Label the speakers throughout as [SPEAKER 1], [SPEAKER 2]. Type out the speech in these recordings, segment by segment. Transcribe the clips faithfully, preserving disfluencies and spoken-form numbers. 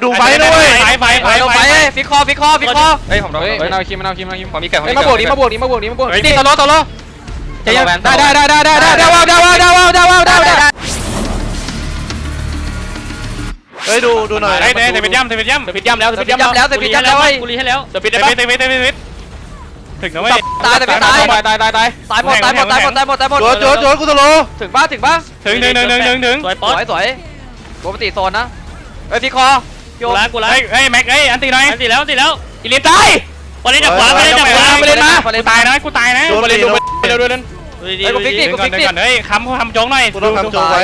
[SPEAKER 1] ดูไฟด้วย
[SPEAKER 2] ไฟไฟไฟไฟฟิกคอฟิกคอฟิกคอ
[SPEAKER 3] เฮ้ยผมโดน
[SPEAKER 4] เฮ้ยมันเอาคิมมันเอาคิมมันเอาคิม
[SPEAKER 3] ผมมีเกิดผมมี
[SPEAKER 4] มา
[SPEAKER 3] เกิ
[SPEAKER 4] บว
[SPEAKER 3] ด
[SPEAKER 4] กนี้มาบวกนี้มาบวกนี้มาบวกนี่
[SPEAKER 2] ตโลตโล
[SPEAKER 4] ได้ได้ได้ได้ได้ได้ได้ว้าวได้ว้าวได้ว้าวได้ว้าวได้ได้
[SPEAKER 1] เฮ้ยดูดูหน่อย
[SPEAKER 2] เฮ้ยเตะปิดย่ำเตะปิดย่ำเตะปิดย่ำแล้วเตะปิดย่ำแล้วเตะปิดย่ำแล้วกูรีให้แล้วเตะปิดเตะปิดเตะปิดเตะปิดถึงนะเว้ย
[SPEAKER 4] ตายแต่ไม่ตายตายตายตายตายหมดตายหมดตายหมดตายหมดตายหมด
[SPEAKER 1] โจโจโจกูตะโล
[SPEAKER 4] ถึงบ้านถึงบ้าน
[SPEAKER 2] ถึงถึงถึงถึงถึงถึง
[SPEAKER 4] สวยสวยสวยปกติโซนนะเฮ้ยพี่คอ
[SPEAKER 2] กูล้างกูล้างเฮ้ยแม็กเฮ้ยอันตีหน่อยอันตีแล้วอันตีแล้วอีลินตายวันนี้จับขวาวันนี้จับขวาไปเล่นมากูตายนะกูตายนะไปเล่นดูไปเล่นดูเล่นเฮ้ยกูฟิกดิกูฟิกดิเฮ้ยคำคำโจ๊กหน่อย
[SPEAKER 1] กูต้องทำโจไว้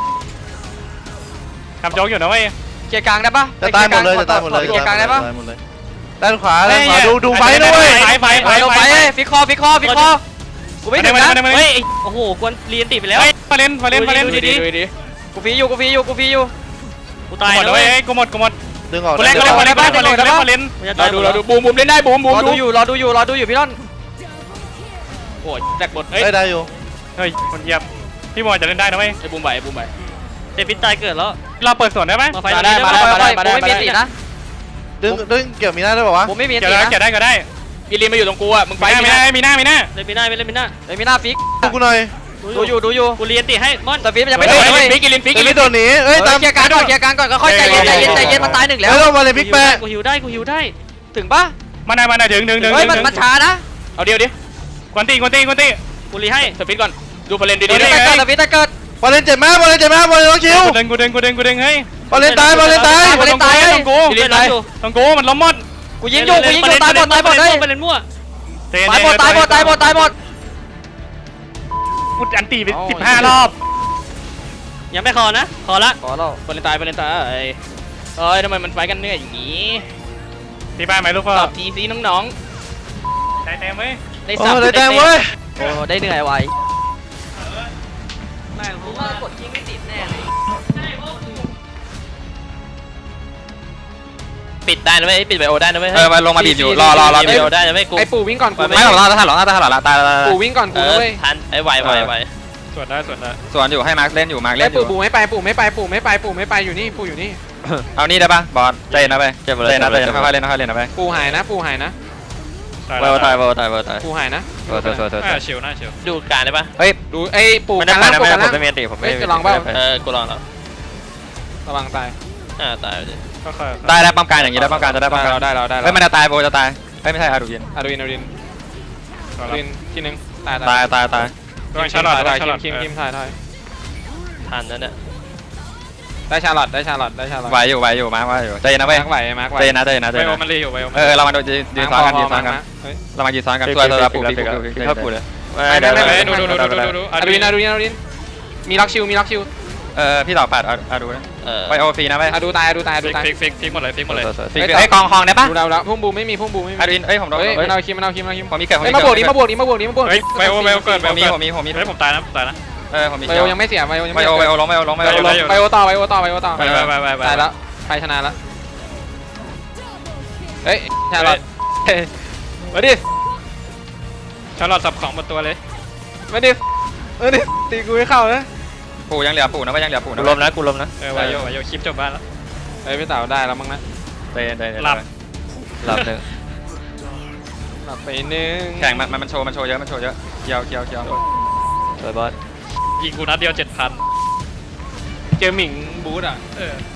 [SPEAKER 2] คำโจ๊กอยู่นะเว้ย
[SPEAKER 4] เกียร์กลางได้ปะ
[SPEAKER 1] จะตายหมดเลยจะตายหมดเลย
[SPEAKER 4] เกียร์กลางได้ปะ
[SPEAKER 1] ด้านขวาด้านขวาดูดูไฟด้วย
[SPEAKER 2] ไฟไฟไฟ
[SPEAKER 4] ไปไปฟิกคอฟิกคอฟิกคอกูไม่ถึงนะ
[SPEAKER 2] เฮ้ยโอ้โหกวนเรียนติดไปแล้วมาเล่นมาเล่นมาเล่นดีดี
[SPEAKER 4] กูฟีอยู่กูฟีอยู่กูฟีอยู่
[SPEAKER 2] กูตายแล้วเว้ยกูหมดกูหมด
[SPEAKER 1] ดึงออก
[SPEAKER 2] กูเล่นกูเล่นมาเล่นมาเล่นมาเล่นมาเล่น
[SPEAKER 4] เราดูเราดูบูมบูมเล่นได้บูมบูมรอดูอยู่รอดูอยู่รอดูอยู่พี่ต้นโอ้ยแตกหมด
[SPEAKER 1] เฮ้ยได้อยู่
[SPEAKER 2] เฮ้ยคนเยียบพี่บอลจะเล่นได้นะเว้ย
[SPEAKER 4] ไอ้บูมใบบูมใบ
[SPEAKER 2] เดวิดตายเกิดแล้วเราเปิดสวนได้ไหม
[SPEAKER 4] มาได้มาได้มาได้มาได้ไม่มีสีนะ
[SPEAKER 1] ดึงดึงเกี่ยวมีหน้าได้ป่าวะ
[SPEAKER 4] บูมไม่มี
[SPEAKER 2] เกี่ยว
[SPEAKER 4] สี
[SPEAKER 2] ได้
[SPEAKER 4] นะ
[SPEAKER 2] เกี่ยวได้เกี่ยวได้
[SPEAKER 4] อีลีนมาอยู่ตรงกูอ่ะมึงไป
[SPEAKER 2] มีหน้ามีหน้ามีหน้า
[SPEAKER 4] เล่นมีหน้าไม่เล่นมีหน้าเล่นมีหน้าฟิก
[SPEAKER 1] ดูกูหน่อย
[SPEAKER 4] ดูอยู่ดูอยู่
[SPEAKER 2] กูเรียนติให้มอน
[SPEAKER 4] แต่ฟิกมันยังไม่โดนเลยฟิกอีลีนฟิก
[SPEAKER 1] อี
[SPEAKER 4] อี
[SPEAKER 1] ลิ
[SPEAKER 4] ลี
[SPEAKER 1] น
[SPEAKER 4] น
[SPEAKER 1] โดนหนีเอ้ยตาม
[SPEAKER 4] เกียร์กลางก่อนเกียร์กลางก่อนก็ค่อยใจเย็นใจเย็นใจเย็นมันตายหนึ่งแล้ว
[SPEAKER 1] เฮ้ยเรามาเลยพิกแปะ
[SPEAKER 2] กูหิวได้กูหิวได้
[SPEAKER 4] ถึงปะ
[SPEAKER 2] มาได้มาได้ถึงถึงถึง
[SPEAKER 4] เฮ้ยมันมันช้านะ
[SPEAKER 2] เอาเดียวดิกวนตีกวนตีกวนตีกูรีให้สปิดก่อนดูพลันดี
[SPEAKER 4] ฟิ
[SPEAKER 2] ดี
[SPEAKER 4] กตะเกิดฟิกตะเกิด
[SPEAKER 1] บอลเล่นเจ็บมากบอลเล่นเจ็บมากบอลเล่นน้องคิว
[SPEAKER 2] กูเด้งกูเด้งกูเด้งกูเด้งเฮ้ย
[SPEAKER 1] บอลเล่นตายบอลเล่นตาย
[SPEAKER 4] บอลเล่นตาย
[SPEAKER 2] ต้องกูต้องกูมันล้มหมด
[SPEAKER 4] กูยิงอยู่กูยิงอยู่ตายหมดตายหมดเลย
[SPEAKER 2] ไปเล่นมั่ว
[SPEAKER 4] ตายหมดตายหมดตายหมดตายหมด
[SPEAKER 2] กูอันตีไปสิบห้ารอบยังไม่คอนะคอละ
[SPEAKER 4] ขอเรา
[SPEAKER 2] บอลเล่นตายบอลเล่นตายเอ้ยทำไมมันไฟกันเหนื่อยอย่างนี้ตีบ้านไหมลูกพ่อทีซีน้องๆได้เต็มไหม
[SPEAKER 4] ได้
[SPEAKER 1] โอ้
[SPEAKER 4] สับ
[SPEAKER 1] ได้แต้มเว้ย
[SPEAKER 4] โอ้ได้เหนื่อยไว
[SPEAKER 2] แม่รู้
[SPEAKER 4] ว่ากดยิงไม่ติดแน่เลย
[SPEAKER 2] ปิดได้นะเว้ยปิดไบโอได้นะเว้ย
[SPEAKER 3] เออมาลงมาบีบอยู่รอรอรอ
[SPEAKER 2] ไบโอได้นะเว้ยกู
[SPEAKER 4] ไอ้ปู่วิ่งก่อนกู
[SPEAKER 3] ไม่หรอกตายหรอกตายหรอกตายตาย
[SPEAKER 4] ปู่วิ่งก่อนกูเว้ย
[SPEAKER 2] ทันไอ้ไวไวไวส่วนได้ส่วนได้
[SPEAKER 3] ส่วนอยู่ให้มาร์คเล่นอยู่มาร์ค
[SPEAKER 4] ไอ้
[SPEAKER 3] เล่นอ
[SPEAKER 4] ปู่
[SPEAKER 3] ยู่
[SPEAKER 4] ปู่ไม่ไปปู่ไม่ไปปู่ไม่ไปปู่ไม่ไปอยู่นี่ปู่อยู่นี่
[SPEAKER 3] เอานี่ได้ปะบอลใจนะไปใจนะใจนะค่อยๆเล่นค่อยๆเล่นนะไป
[SPEAKER 4] ปู่หายนะปู่หายนะ
[SPEAKER 3] เวอร์ตายเวอร์ตายเวอร์ตาย
[SPEAKER 4] ปู่หายนะ
[SPEAKER 3] เวอร์เวอร์เวอร์เวอร์
[SPEAKER 2] ชิวน่าชิวดูการได้ปะ
[SPEAKER 3] เฮ้ย
[SPEAKER 4] ดูไอ้ปู่
[SPEAKER 3] ไม่
[SPEAKER 4] กั
[SPEAKER 3] ได้
[SPEAKER 4] น
[SPEAKER 3] ไป
[SPEAKER 4] ล่าง
[SPEAKER 3] นะ
[SPEAKER 4] ปู่
[SPEAKER 3] ไม่
[SPEAKER 4] กัน
[SPEAKER 3] ได้
[SPEAKER 4] ล่าง
[SPEAKER 3] ผมไม่มีตีผมไม่
[SPEAKER 4] เฮ้ยจะลองเปล่า
[SPEAKER 2] เออกูลองแล้ว
[SPEAKER 4] ระวังตาย
[SPEAKER 2] อ่าตายเลยค่อย
[SPEAKER 3] ได้ได้ป้อมการอย่างนี้ได้ป้อมการจะได้ป้อมการ
[SPEAKER 4] เราได้เราได้
[SPEAKER 3] เฮ้ยมันจะตายโบจะตายเฮ้ยไม่ใช่อาดูยิน
[SPEAKER 4] อาดูอินอาดูอินอาดูอินทีนึงตาย
[SPEAKER 3] ตายตายตาย
[SPEAKER 2] ๆต้องชาร์ลอตต้องชาร์ลอต
[SPEAKER 4] คิมคิมถ่ายถ่าย
[SPEAKER 2] ทันนั่นเนี่ย
[SPEAKER 4] ได้ชาร์ลอตได้ชาร์ลอตได้ชาร์ลอต
[SPEAKER 3] ไหวอยู่ไหวอยู่มาร์คไหวอยู่ใจนะเว้ย
[SPEAKER 4] มาร์กไหวมาร์กไหว
[SPEAKER 3] ใจนะใจนะใจ
[SPEAKER 2] ไบโอ
[SPEAKER 3] นะ
[SPEAKER 2] มันรีอยู่ไบโอ
[SPEAKER 3] เออเรามาดูยืนซ้อนกันยืนซ้อนกัน
[SPEAKER 4] เฮ้ย
[SPEAKER 3] เรามายืนซ้อนกันตัวตัวปูปีปูปีเข้าปูเลย
[SPEAKER 4] ไม่ไม่ไม่
[SPEAKER 2] ดูดูดูดูดูดู
[SPEAKER 4] อาดูอินอาดูอินอาดูอินมีล็อกชิวมีล็อกชิว
[SPEAKER 3] เออพี่ต่อปัดอาดูนะ
[SPEAKER 2] เออ
[SPEAKER 3] ไปโอฟีนะไป
[SPEAKER 4] อาดูตายอาดูตายอาดู
[SPEAKER 2] ฟิก
[SPEAKER 4] ตาย
[SPEAKER 2] ฟิกฟิกฟิกหมดเลยฟิกหมดเลย
[SPEAKER 3] ไอ้กองคองได้ปะ
[SPEAKER 4] ดูเราแล้วพุ่งบูไม่มีพุ่งบูไม่มี
[SPEAKER 3] อาดูเอ้ยผมโดน
[SPEAKER 4] เฮ้ย
[SPEAKER 3] เฮ้ย
[SPEAKER 4] มันเอาคิมมันเอาคิมมันเอาคิม
[SPEAKER 3] ผมมีเกิดผม
[SPEAKER 4] เฮ้ย
[SPEAKER 3] มี
[SPEAKER 4] มาบวกนี้มาบวกนี้มาบวกนี้มาบวก
[SPEAKER 2] เฮ้ยไบโอไบโอเกิดไบ
[SPEAKER 3] ผ
[SPEAKER 2] โอ
[SPEAKER 3] มมี
[SPEAKER 2] เกิด
[SPEAKER 3] ผมมีผมมี
[SPEAKER 2] เฮ้ยผมตายนะผมตายนะ
[SPEAKER 3] เออผมมี
[SPEAKER 4] ไบโอยังไม่เสียไบโอยัง
[SPEAKER 3] ไบ
[SPEAKER 4] ไม่
[SPEAKER 3] โอ
[SPEAKER 4] เสีย
[SPEAKER 3] ไบโอลงไบโอลงไบโอลง
[SPEAKER 4] ไบโอต่อไบโอต่อไบโอต่อ
[SPEAKER 2] ไปไปไปไปไป
[SPEAKER 4] ตายแล้วใครชนะแล้วเฮ้ยชาร์ลอตมาดิ
[SPEAKER 2] ชาร์ลอตสับของหมดตัวเลย
[SPEAKER 4] มาดิเออดิตีกูไม่เข้าเลย
[SPEAKER 3] ปูยังเหลือปูนะว่ายังเหลือปูนะ
[SPEAKER 2] กูลมนะกูลมนะเออวายโยวายโยคลิปจบบ้านแล้ว
[SPEAKER 4] เฮ้ยพี่เต๋าได้แล้วมั้งนะ
[SPEAKER 3] เตะเตะ
[SPEAKER 2] หลับ
[SPEAKER 3] หลับหนึ่ง
[SPEAKER 4] หลับไปนึง
[SPEAKER 3] แข่งมันมันโชว์มันโชว์เยอะมันโชว์เยอะเคียวเคียวเคียวสวยบอส
[SPEAKER 2] ยิงกูนัดเดียวเจ็ดพัน
[SPEAKER 4] เจอหมิงบูธอ่ะ
[SPEAKER 2] เออ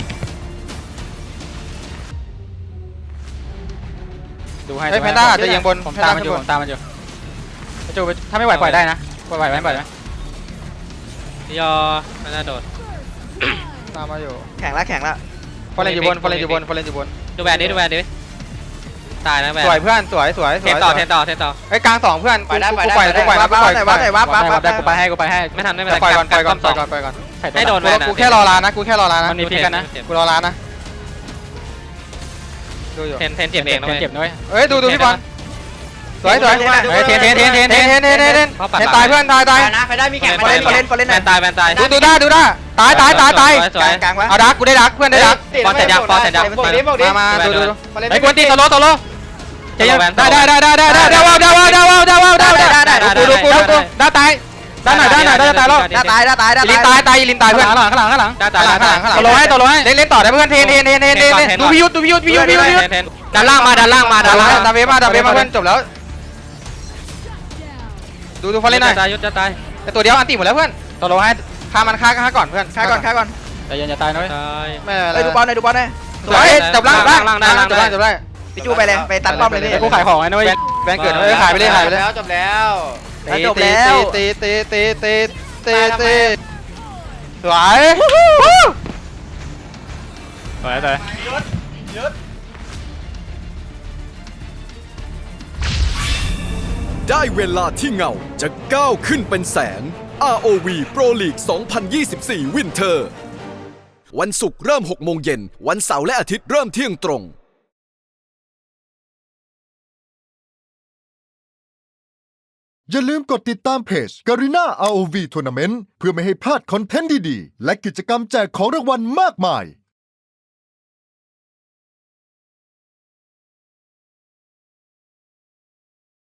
[SPEAKER 4] ดูให้
[SPEAKER 3] เฮ้ยแพนด้าจะยิงบน
[SPEAKER 4] ผมตามมันอยู่ผมตามมันอยู่จูถ้าไม่ไหวปล่อยได้นะปล่อยไหวไหมปล่อยไหม
[SPEAKER 2] ยอไม่น่าโดด
[SPEAKER 3] ตามมาอยู่
[SPEAKER 4] แข่งละแข่งละ
[SPEAKER 3] ฟอลเลนอยู่บนฟอลเลนอยู่บนฟอลเลนอยู่บน
[SPEAKER 2] ดูแวนดิดูแวนดิตายนะแวน
[SPEAKER 3] สวยเพื่อนสวยสวยส
[SPEAKER 2] เท
[SPEAKER 3] วย
[SPEAKER 2] นต่อเทนต่อเทนต่อ
[SPEAKER 3] ไอ้กลางสองเพื่อนกูกูปล่อยกูปล่อยกูปล่อยกูปล่อย
[SPEAKER 4] ได้กูไปให้กูไปให้
[SPEAKER 2] ไม่ทันไม่เป็นไร
[SPEAKER 3] ปล่อยก่อนปล่อยก่อน
[SPEAKER 2] ส
[SPEAKER 3] ปล่
[SPEAKER 2] อ
[SPEAKER 3] อง ยก่อนปล่อยก่อน
[SPEAKER 2] ให้โดน
[SPEAKER 3] กูแค่รอร้านนะกูแค่รอร้านนะ
[SPEAKER 4] มันมีพิกกันนะ
[SPEAKER 3] กูรอร้านนะดูอยู่
[SPEAKER 2] เทนเทนเจ็บเองนะ
[SPEAKER 4] เจ็บด้วย
[SPEAKER 3] เฮ้ยดูดูพี่บอลสวยสวยเฮ้ยเทนเทนเทนเทนเทนเทนเทนเทนเทนตายเพื่อนตายตาย
[SPEAKER 4] นะไปได้มีแข่งไปเล่นไปเล่นไปเล่น
[SPEAKER 2] แวนตายแวนตาย
[SPEAKER 3] ดูดูได้ดูได้ตายตายตายตาย
[SPEAKER 2] สวย
[SPEAKER 4] กลางวะ
[SPEAKER 3] เอาดักกูได้ดักเพื่อนได้ดัก
[SPEAKER 2] บอลเสร็จยังบอลเสร็จยัง
[SPEAKER 3] มามาดูดู
[SPEAKER 4] ไอ้กวนตีตโลตโล
[SPEAKER 3] ได้ได้ได้ได้ได้ได้ได้ว้าวได้ว้าวได้ว้าวได้ว้าวได้ได้ได้ดูดูกูดูกูได้ตายด้านไหนด้านไหนด้านตายแล้ว
[SPEAKER 4] ด้าตายด้าตายด้า
[SPEAKER 3] ลินตายตายลินตายเพื่อน
[SPEAKER 4] ข้างหลังข้างหลังข้างหลังด้าตาย
[SPEAKER 3] ข้างหลังข้างหลังข้างหลังต่อลงให้ต่อลงให้เล่นเล่นต่อได้เพื่อนเทนเทนเทนเทนเทนดูพิยุทธ์ดูพิยุทธ์พิยุทธ์พิยุทธ์พิยุทธ์ด้านล่างมาด้านล่างมาด้านล่างดาเวมาดาเวมาเพื่อนจบแล้วดูดูฟอลเล่นหน่อย
[SPEAKER 4] ตายยุทธจะตาย
[SPEAKER 3] แต่ตัวเดียวอันตีหมดแล้วเพื่อนต่อลงให้ฆ่ามันฆ่าฆ่าก่อนเพื่อน
[SPEAKER 4] ฆ่าก่อนฆ่าก่อน
[SPEAKER 3] ใจเย็นอย่าตายนะเว้ย
[SPEAKER 4] ตาย
[SPEAKER 1] ไม่
[SPEAKER 4] เอ้ยดูบอลหน่อยดูบอลหน่อย
[SPEAKER 3] สวยจบล่างล่างล่างได้จบได้จบได้
[SPEAKER 4] พี่จูไปเลยไปตัดป้อมเลยพี่
[SPEAKER 3] กูขายของไอ้นุ้ยแบงเกิดเลยขายไปเลยขายไปเลย
[SPEAKER 1] จบแล้ว
[SPEAKER 4] จบแล้ว
[SPEAKER 1] ตีตีตีตีตีตีตี
[SPEAKER 3] สวย
[SPEAKER 2] สวยตาย
[SPEAKER 5] ได้เวลาที่เงาจะก้าวขึ้นเป็นแสง อาร์ โอ วี Pro League สองพันยี่สิบสี่ Winter วันศุกร์เริ่มหกโมงเย็น วันเสาร์และอาทิตย์เริ่มเที่ยงตรง
[SPEAKER 6] อย่าลืมกดติดตามเพจ Garena อาร์ โอ วี Tournament เพื่อไม่ให้พลาดคอนเทนต์ดีๆ และกิจกรรมแจกของรางวัลมากมาย